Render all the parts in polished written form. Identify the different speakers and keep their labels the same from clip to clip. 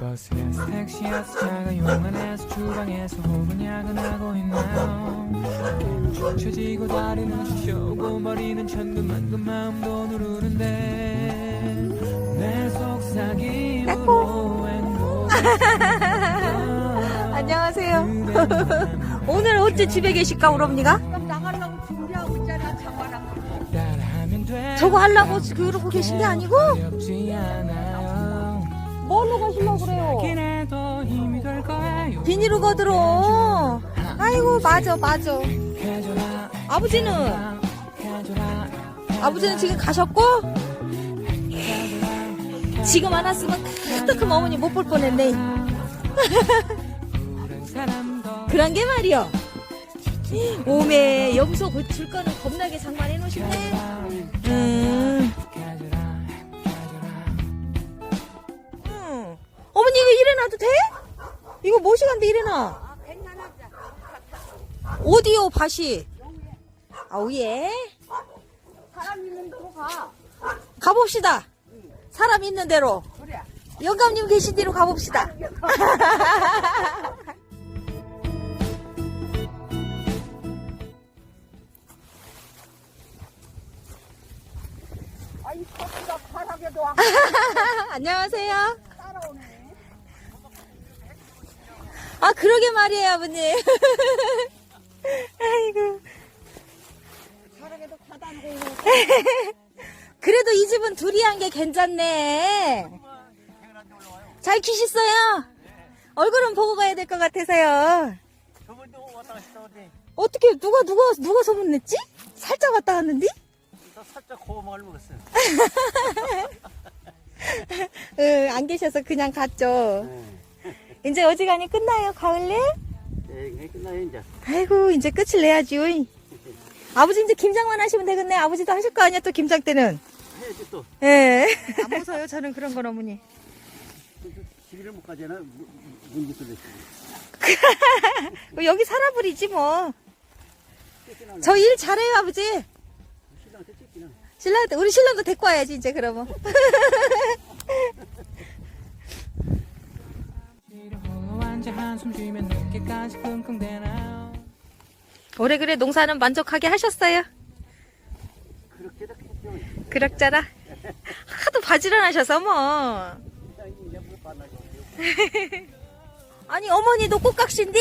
Speaker 1: 버스에서 택시에서 차가 용안에서 주방에서 혹은 야근하고 있나요? 축 처지고 다리는 쑤셔오고 머리는 천근만근 마음도 누르는데 내 속삭임으로
Speaker 2: 안녕하세요. 오늘 어째 집에 계실까, 우리 언니가?
Speaker 3: 그럼 나가려고 준비하고 있잖아, 장관하고.
Speaker 2: 저거 하려고 그러고 계신 게 아니고? 뭘로 가시려고 그래요? 비닐로 거들어. 아이고, 맞아. 아버지는 지금 가셨고? 지금 안 왔으면 크크크 어머니 못 볼 뻔했네. 그런 게 말이여. 오메, 염소 고칠 거는 겁나게 장만해 놓으셨네. 어머니 이거 이래놔도 돼? 이거 뭐 시간데 이래놔? 어디요, 밭이? 아우예.
Speaker 3: 사람 있는 데로 가.
Speaker 2: 가봅시다. 사람 있는 대로.
Speaker 3: 그래.
Speaker 2: 영감님 계신 대로 가봅시다.
Speaker 3: 아이, 커피가 바닥에도 와.
Speaker 2: 안녕하세요.
Speaker 3: 따라오네.
Speaker 2: 아, 그러게 말이에요, 아버님. 아이고.
Speaker 3: 바닥에도 가다 놓고.
Speaker 2: 그래도 이 집은 둘이 한 게 괜찮네. 잘 키셨어요? 얼굴은 보고 가야 될 것 같아서요.
Speaker 4: 저번도 왔다 갔다 오지.
Speaker 2: 어떻게, 누가 소문냈지? 살짝 왔다 갔는데?
Speaker 4: 나 살짝 고마움을 먹었어.
Speaker 2: 안 계셔서 그냥 갔죠. 이제 어지간히 끝나요, 가을래?
Speaker 4: 네, 끝나요 이제.
Speaker 2: 아이고, 이제 끝을 내야지요. 아버지 이제 김장만 하시면 되겠네. 아버지도 하실 거 아니야, 또 김장 때는.
Speaker 4: 해야지 또.
Speaker 2: 예. 안 무서워요, 저는 그런 건 어머니.
Speaker 4: 집을 못 가잖아. 문제 뚫렸어.
Speaker 2: 여기 살아버리지 뭐. 저 일 잘해요, 아버지.
Speaker 4: 신랑한테 찢기나.
Speaker 2: 우리 신랑도 데리고 와야지, 이제 그러면. 올해 그래 농사는 만족하게 하셨어요?
Speaker 4: 그렇게도 했죠.
Speaker 2: 그럭저럭. 하도 바지런하셔서 뭐.
Speaker 4: 신랑이 내물 만나고.
Speaker 2: 아니 어머니도 꽃각시인데?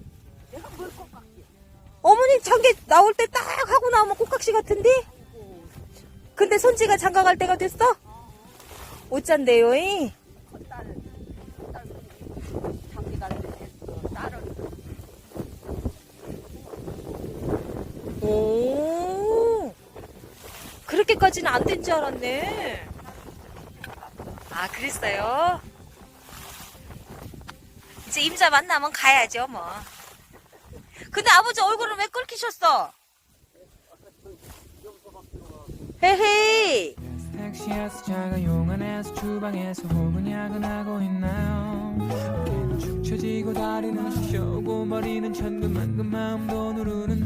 Speaker 2: 어머니 장계 나올 때 딱 하고 나오면 꽃각시 같은데? 근데 손지가 장가갈 때가 됐어? 어쩐데요?
Speaker 3: 장기가 됐어. 딸은.
Speaker 2: 오, 그렇게까지는 안 된 줄 알았네. 아, 그랬어요? 이제 임자 만나면 가야죠, 뭐. 근데 아버지 얼굴은 왜 끓기셨어? 헤헤이.
Speaker 1: 택시에서 차가 용안에서 주방에서 혹은 야근하고 있나요? 축 처지고 다리는 쑤셔오고 머리는 천근만근 마음도 누르는